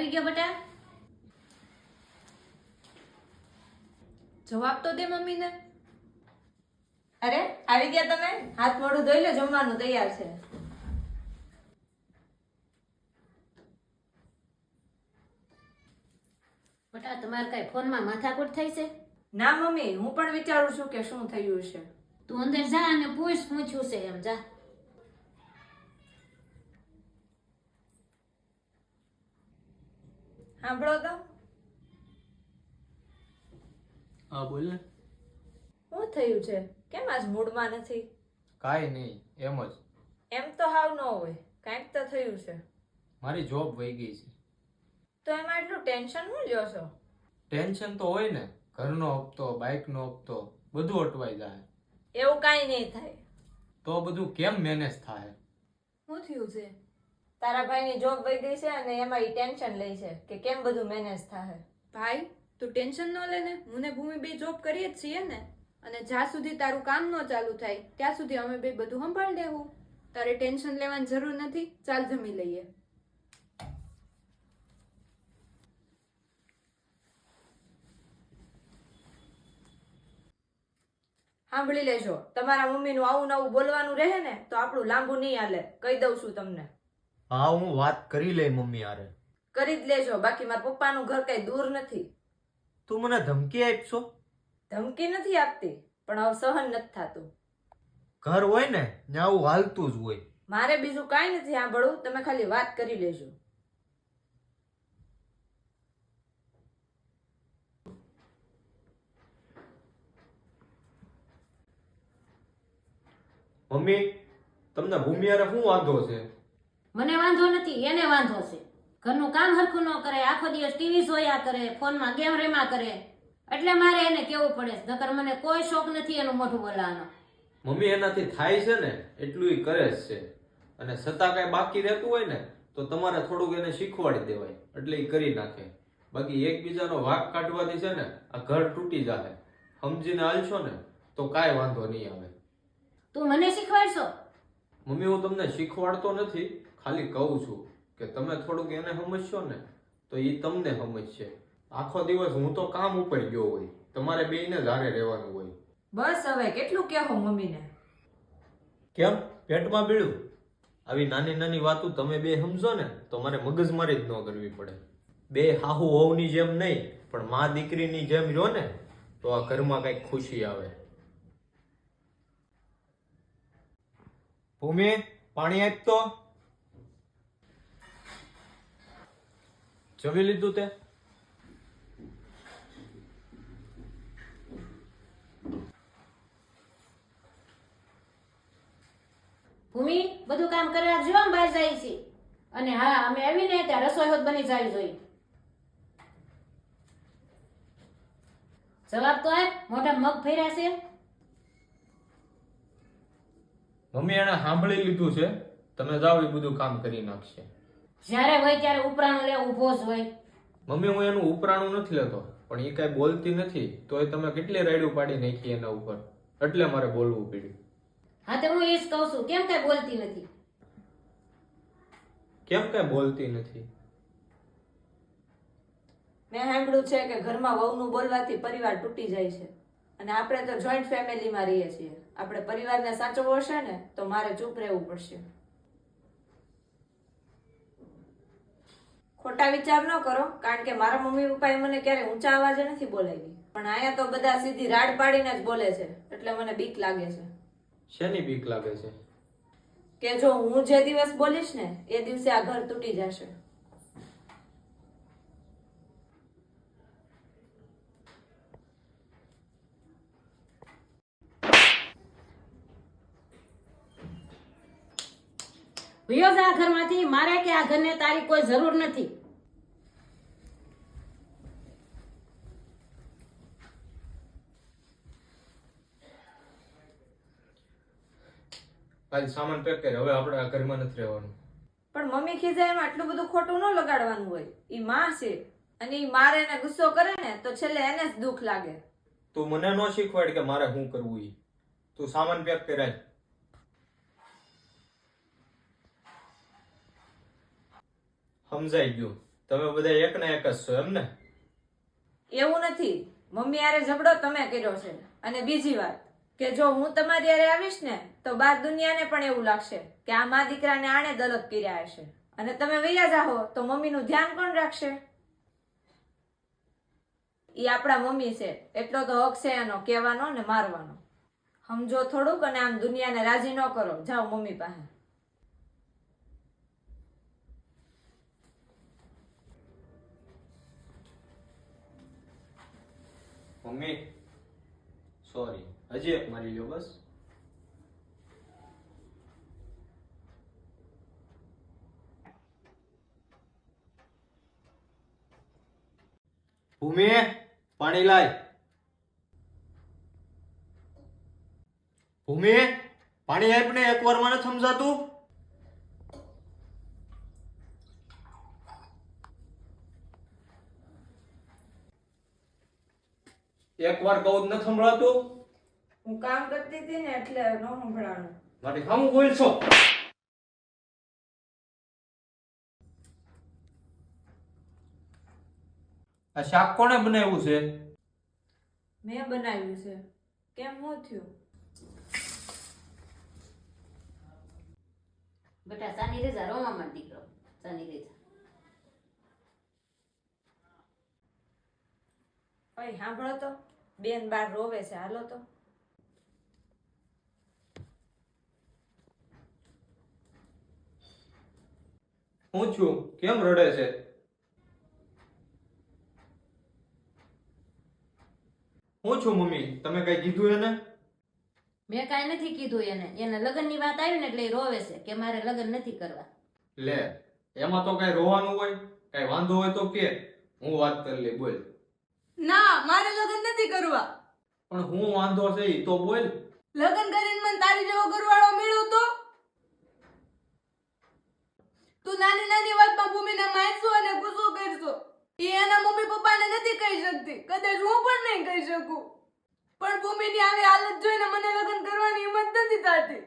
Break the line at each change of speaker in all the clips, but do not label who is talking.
આવી ગયો બેટા?
જવાબ તો દે મમ્મીને.
અરે આવી ગયા તમે? હાથ મોઢું ધોઈ લો, જમવાનું તૈયાર છે.
બેટા તમારે કઈ ફોનમાં માથાકૂટ થઈ છે?
ના મમ્મી, હું પણ વિચારું છું કે શું થયું છે.
તું અંદર જા અને પૂછ્યું છે એમ જા.
સાંભળો તો.
હા બોલ ને.
શું થયું છે? કેમ આજ મૂડમાં નથી?
કાંઈ નહીં, એમ જ.
એમ તો હાવ ન હોય, કાંઈક તો થયું છે.
મારી જોબ વહી ગઈ છે.
તો એમાં એટલું ટેન્શન શું લ્યો છો?
ટેન્શન તો હોય ને, ઘરનો હપ્તો, બાઇકનો હપ્તો, બધું અટવાઈ જાય.
એવું કાંઈ નહીં થાય.
તો બધું કેમ મેનેજ થાય?
શું થયું છે?
તારા ભાઈની જોબ વહી ગઈ છે અને એમાં ઈ ટેન્શન લે છે કે કેમ બધું મેનેજ થાય.
ભાઈ તું ટેન્શન ન લે ને. હું ને ભૂમિ બે જોબ કરીએ જ છીએ ને, અને જ્યાં સુધી તારું કામ ન ચાલુ થાય ત્યાં સુધી અમે બે બધું સંભાળી લેવું. તારે ટેન્શન લેવાની જરૂર નથી. ચાલ જમી લઈએ.
સાંભળી લેજો, તમારા મમ્મીનું આવું નવું બોલવાનું રહે ને તો આપણું લાંબુ નહીં હાલે. કહી દઉં છું તમને.
હા હું વાત કરી લઈ મમ્મી હારે.
કરી જ લેજો, બાકી મારા પપ્પાનું ઘર કઈ દૂર નથી.
તું મને ધમકી આપશો?
ધમકી નથી આપતી, પણ હવે સહન નથી થતું.
ઘર હોય ને ત્યાં આવું હાલતું જ હોય.
મારે બીજું કાંઈ નથી સાંભળવું, તમે ખાલી વાત કરી લેજો.
મમ્મી તમને ભૂમિ હારે શું વાંધો છે?
મને વાંધો નથી, એને વાંધો છે. ઘરનું કામ હરખું ન કરે, આખો દિવસ ટીવી જોયા કરે, ફોનમાં ગેમ રમ્યા કરે, એટલે મારે એને કેવું પડે. નકર મને કોઈ શોખ નથી એનું મોઢું બોલાવવાનો.
મમ્મી એનાથી થાય છે ને એટલું ઈ કરે જ છે, અને છતાં કઈ બાકી રહેતું હોય ને તો તમારે થોડુંક એને શીખવાડી દેવાય, એટલે ઈ કરી નાખે. બાકી એકબીજાનો વાંક કાઢવાથી છે ને આ ઘર તૂટી જાય. સમજીને હાલશો ને તો કાંઈ વાંધો નહીં આવે.
તું મને શીખવાડશો?
મમ્મી હું તમને શીખવાડતો નથી, ખાલી કહું છું કે તમે થોડુંક એને સમજશો ને તો ઈ તમને સમજશે. આખો દિવસ હું તો કામ ઉપર ગયો હોય, તમારે બેયને જ હારે રહેવાનું હોય.
બસ હવે કેટલું કહેવો મમ્મીને.
કેમ પેટમાં બીડું? આવી નાની નાની વાતો તમે બે સમજો ને તો મારે મગજમારી જ ન કરવી પડે. બે હાહુ હોવની જેમ નહીં પણ મા દીકરીની જેમ રહ્યો ને તો આ ઘરમાં કઈક ખુશી આવે. ભૂમિ પાણી આપ તો. જમી લીધું તે?
ભૂમિ બધું કામ કરવા જો આમ બહાર જાય છે. અને હા, અમે આવીને ત્યાં રસોઈ હોત બની જાય જોઈએ. જવાબ તો આપ, મોઢા મગ ફેર્યા છે.
મમ્મી એને સાંભળી લીધું છે, તમે જાઓ એ બધું કામ કરી નાખશે.
જ્યારે હોય ત્યારે ઉપરાણું લે ઊભો જ હોય.
મમ્મી હું એનું ઉપરાણું નથી લેતો, પણ એ કઈ બોલતી નથી તો એ તમે કેટલી રાયડું પાડી નાખી એના ઉપર, એટલે મારે બોલવું પડ્યું.
હા તો હું એ જ કહું છું, કેમ કઈ બોલતી નથી?
કેમ કઈ બોલતી નથી?
મેં સાંભળ્યું છે કે ઘરમાં વહુનું બોલવાથી પરિવાર તૂટી જાય છે, અને આપણે તો જોઈન્ટ ફેમિલીમાં રહીએ છીએ. આપણે પરિવારને સાચવવો હશે ને તો મારે ચૂપ રહેવું પડશે. ખોટા વિચાર ન કરો, કારણ કે મારા મમ્મી પપ્પાએ મને ક્યારે ઊંચા અવાજે નથી બોલાવી, પણ અહીંયા તો બધા સીધી રાડ પાડીને જ બોલે છે, એટલે મને બીક લાગે છે.
શેની બીક લાગે છે?
કે જો હું જે દિવસ બોલીશ ને એ દિવસે આ ઘર તૂટી જશે.
વયો જા આ ઘરમાંથી. મારે કે આ ઘરને તારી કોઈ જરૂર નથી.
કાલ સામાન પેક કરે, હવે આપણે આ ઘરમાં નથી રહેવાનું.
પણ મમ્મી ખીજાય એમાં આટલું બધું ખોટું ન લગાડવાનું હોય. ઈ માં છે, અને ઈ મારે એને ગુસ્સો કરે ને તો છેલ્લે એને જ દુઃખ લાગે.
તું મને ન શીખવાડ કે મારે શું કરવું. ઈ તું સામાન પેક કરાય. સમજાઈ ગયું. તમે બધા એક ને એક જ છો એમ ને?
એવું નથી, મમ્મી હારે ઝઘડો તમે કર્યો છે. અને બીજી વાત કે જો હું તમારી હારે આવીશ ને તો બાર દુનિયાને પણ એવું લાગશે કે આ મા દીકરાને આણે જ અલગ કર્યા હશે. અને તમે વૈયા જાહો તો મમ્મીનું ધ્યાન કોણ રાખશે? ઈ આપણા મમ્મી છે, એટલો તો હક છે એનો કહેવાનો ને મારવાનો. સમજો થોડુંક અને આમ દુનિયાને રાજી ન કરો. જાઓ મમ્મી પાસે.
મમ્મી સોરી, હજી એક મારી લ્યો બસ. ભૂમિ, પાણી લાય. ભૂમિ, પાણી આપ ને, એક વાર મને સમજાતું. એક વાર કહું જ ન સંભળાતું?
હું કામ કરતી હતી ને એટલે ન સંભળાણું.
મારી સામું બોલ છો. આ શાક કોણે બનાવ્યું છે?
મેં બનાવ્યું છે. કેમ હું થયું?
બેટા સાની રેજા રોવામાં દીકરો, સાની રેજા.
ઓય સાંભળો તો, બેન બાર રોવે છે. હાલો તો.
હું છું, કેમ રડે છે? હું છું મમ્મી, તમે કઈ કીધું એને?
મેં કાંઈ નથી કીધું એને લગ્નની વાત આવી ને એટલે એ રોવે છે કે મારે લગ્ન નથી કરવા.
લે, એમાં તો કઈ રોવાનું હોય? કઈ વાંધો હોય તો કે, હું વાત કરી લે. બોલ.
ના, મારે લગ્ન નથી કરવા.
પણ હું વાંધો છે ઈ તો બોલ.
લગ્ન કરીને મને તારી જેવો ઘરવાળો મળ્યો તો તું નાની નાની વાતમાં ભૂમિને મારશો અને ગુસ્સો કરશો. એ એના મમ્મી પપ્પાને નથી કહી શકતી, કદાચ હું પણ નહીં કહી શકું. પણ ભૂમિની આવી હાલત જોઈને મને લગ્ન કરવાની હિંમત નથી થતી.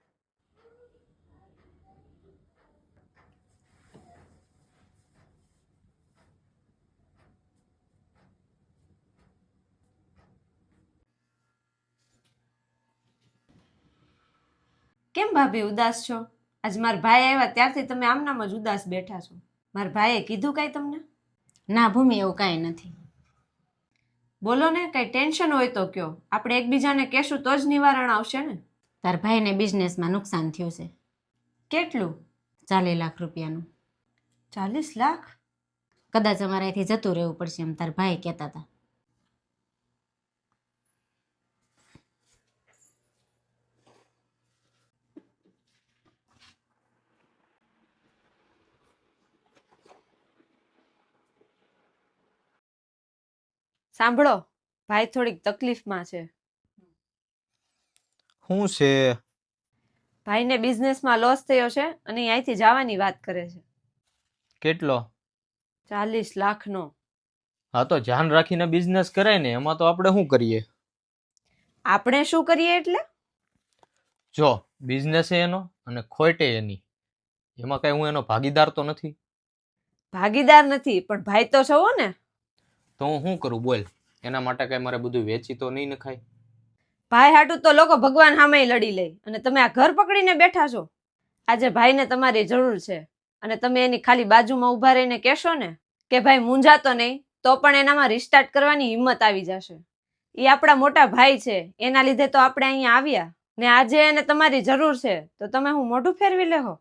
કેમ ભાભી ઉદાસ છો? આજ મારા ભાઈ આવ્યા ત્યારથી તમે આમનામ જ ઉદાસ બેઠા છો. મારા ભાઈએ કીધું કાંઈ તમને?
ના ભૂમિ, એવું કાંઈ નથી.
બોલો ને, કઈ ટેન્શન હોય તો કયો. આપણે એકબીજાને કહેશું તો જ નિવારણ આવશે ને.
તાર ભાઈને બિઝનેસમાં નુકસાન થયું છે.
કેટલું?
40 લાખ રૂપિયાનું.
40 લાખ?
કદાચ અમારે અહીંથી જતું રહેવું પડશે એમ તાર ભાઈ કહેતા હતા.
સાંભળો, ભાઈ થોડીક તકલીફમાં છે.
શું છે?
ભાઈને બિઝનેસમાં લોસ થયો છે અને એ અહીંથી જવાની વાત કરે છે.
કેટલો?
40 લાખનો.
હા તો ધ્યાન રાખીને બિઝનેસ કરાય ને, એમાં તો આપણે શું કરીએ?
આપણે શું કરીએ એટલે?
જો બિઝનેસ એનો અને ખોટે એની, એમાં કઈ હું એનો ભાગીદાર તો નથી.
ભાગીદાર નથી, પણ ભાઈ તો છો ને.
તો હું શું કરું બોલ? એના માટે કઈ મારે બધું વેચી તો નહીં નખાય?
ભાઈ હાટું તો લોકો ભગવાન સામે લડી લે, અને તમે આ ઘર પકડીને બેઠા છો. આજે ભાઈને તમારી જરૂર છે અને તમે એની ખાલી બાજુમાં ઊભા રહીને કહેશો ને કે ભાઈ મૂંઝાતો નહીં, તો પણ એનામાં રિસ્ટાર્ટ કરવાની હિંમત આવી જશે. એ આપણા મોટા ભાઈ છે, એના લીધે તો આપણે અહીંયા આવ્યા ને. આજે એને તમારી જરૂર છે તો તમે હું મોઢું ફેરવી લેહો?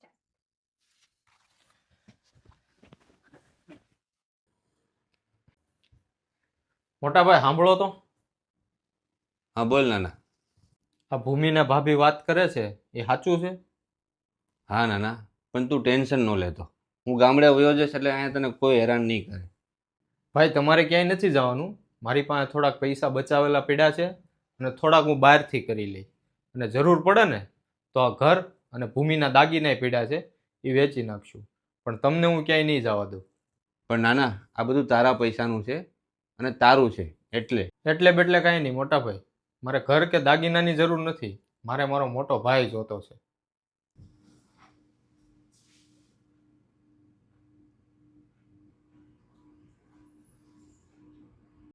મોટા ભાઈ સાંભળો તો.
હા બોલ નાના.
આ ભૂમિને ભાભી વાત કરે છે એ સાચું છે?
હા નાના, પણ તું ટેન્શન ન લેતો. હું ગામડે વયો જઈશ એટલે અહીંયા તને કોઈ હેરાન નહીં કરે.
ભાઈ તમારે ક્યાંય નથી જવાનું. મારી પાસે થોડાક પૈસા બચાવેલા પડ્યા છે અને થોડાક હું બહારથી કરી લઈ, અને જરૂર પડે ને તો આ ઘર અને ભૂમિના દાગીના પડ્યા છે એ વેચી નાખશું. પણ તમને હું ક્યાંય નહીં જવા દઉં.
પણ નાના, આ બધું તારા પૈસાનું છે અને તારું છે
એટલે બેટલે કાંઈ નહીં મોટા ભાઈ. મારે ઘર કે દાગીનાની જરૂર નથી. મારે મારો મોટો ભાઈ જોતો છે.